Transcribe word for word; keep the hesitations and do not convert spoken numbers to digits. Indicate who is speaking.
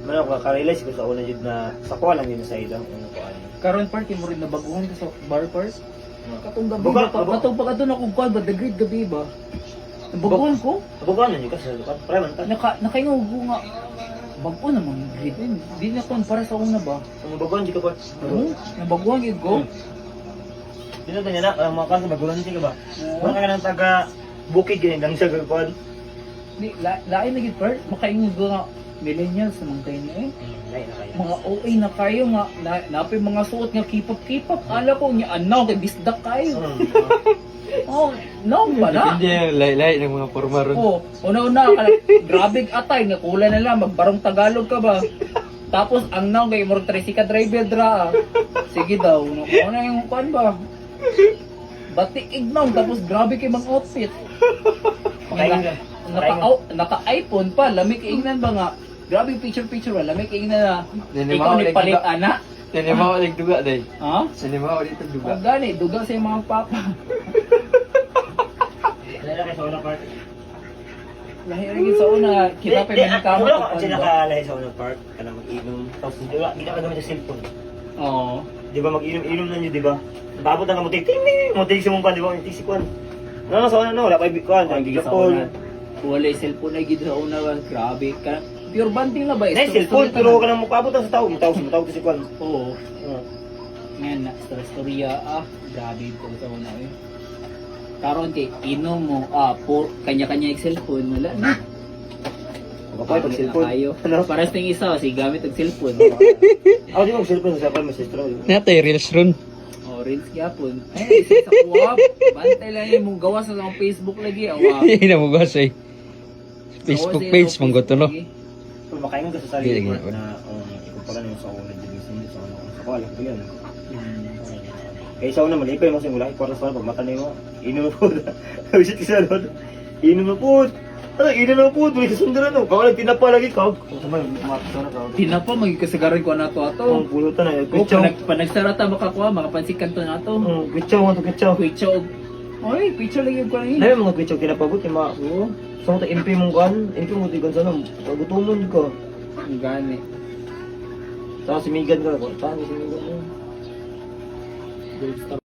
Speaker 1: Man ako ka-realize ko sa una jud na sa kuha lang yun sa ilang ano ko ano.
Speaker 2: Karon part mo rin nabaguhan ka sa bar part. Katong gabi
Speaker 1: Buka-
Speaker 2: ba,
Speaker 1: buka-
Speaker 2: katong pag adun ako kuan ba the great gabi ba. Nabaguhan ko.
Speaker 1: Abugan na yun kasi lukat pre man ta.
Speaker 2: Naka nakaingo nga. Bago naman yung grade yun. Di na kon para sa una ba.
Speaker 1: Ang baguhan jud ka pa.
Speaker 2: Oo. Nabaguhan gid ko.
Speaker 1: Dito tanya na ang mga kanto baguhan ka ba? Wala ka nang taga bukid ganyan lang sa gagawin.
Speaker 2: Di la, lain na gid part makaingo ko nga millennials naman kayo na eh.
Speaker 1: Lain na kayo.
Speaker 2: Mga O A na kayo nga na, napay mga suot nga kipap kipap ala ko nya anaw kay bisdak kayo. Oh, no pala.
Speaker 3: Hindi yung lay-lay ng mga forma ron.
Speaker 2: Oh, una-una kala grabe atay nga kulay na lang magbarong Tagalog ka ba. Tapos ang naw kay murag tricycle driver dra. ah. Sige daw, no na yung kuan ba. Batik ignaw tapos grabe kay mga outfit.
Speaker 1: Pakain ka.
Speaker 2: Naka oh, naka iPhone pa, lamig ingnan ba nga. Grabe picture picture ba, lamig ingnan na. Ikaw ni palit ana.
Speaker 3: Sinima ko ulit duga, day.
Speaker 2: Ha?
Speaker 3: Sinima ko ulit duga.
Speaker 2: Ang gani, duga sa mga papa.
Speaker 1: Wala na kayo sa unang part.
Speaker 2: Lahirigin sa una, kita pa yung kama.
Speaker 1: Wala ka kasi nakalahi sa unang part. Ka na mag-inom. Tapos di ba, hindi ka gamit sa cellphone.
Speaker 2: Oo.
Speaker 1: Di ba mag-inom-inom na nyo, di ba? Babot na ka mo, ting ting ting, mo ting si mong pan, di ba? Ting si kwan. Ano sa una no, wala pa ibig-kwan, ang gigapon.
Speaker 2: Wala yung cellphone na gid sa una ba, grabe ka. Pure banding na ba?
Speaker 1: Nay, cellphone, pero ka nang mukabot sa tao, mo tao, mo tao si kwan.
Speaker 2: Oo.
Speaker 1: Oo.
Speaker 2: Ngayon, na storya, ah, grabe ko sa una eh. Karon kay inom mo, ah, po, kanya-kanya yung cellphone, wala na.
Speaker 1: Kapay pag cellphone.
Speaker 2: Kayo.
Speaker 1: Ano?
Speaker 2: Paras ting isa, si gamit ang cellphone.
Speaker 1: Ako di mo cellphone sa kwan, mas estro.
Speaker 3: Natay reels ron.
Speaker 2: Oh, reels gyapon. Ay, isa sa kuwab. Bantay lang yung mong gawa sa akong Facebook lagi, awa.
Speaker 3: Hindi na mo gasay. Facebook page, mong goto no.
Speaker 1: Kung makaingon ka sa sarili
Speaker 3: Sige,
Speaker 1: ko
Speaker 3: sige.
Speaker 1: na, um, ikumpara nyo sa una, di ba, hindi sa una, sa kwan, lang yan. Kaya sa una, malipay mo simula, ikwarta sa una, pag mata na mo, inom na po. Visit ka sa doon, inom na po. Ano, inom na po, tuloy sa sundaran no. Kaya lang, tinapa lagi ka. Kung sabay, kumapit na ka.
Speaker 2: Tinapa, magkasagaran ko na to ato.
Speaker 1: Ang pulutan na,
Speaker 2: Oh,
Speaker 1: kwitsaw.
Speaker 2: panag, panagsarata makakuha, makapansikan to na to.
Speaker 1: Ang kwitsaw, ang kwitsaw.
Speaker 2: Kwitso. Oy, picture lang yung kanina.
Speaker 1: Dahil mga kwitsaw, kinapabot, yung mga,
Speaker 2: Oo.
Speaker 1: sa mga M P mong kan, M P mo, tigan sa nang, pagutumon ka.
Speaker 2: Ang gani.
Speaker 1: Sa simigan ka, saan si simigan mo?
Speaker 2: Gold star.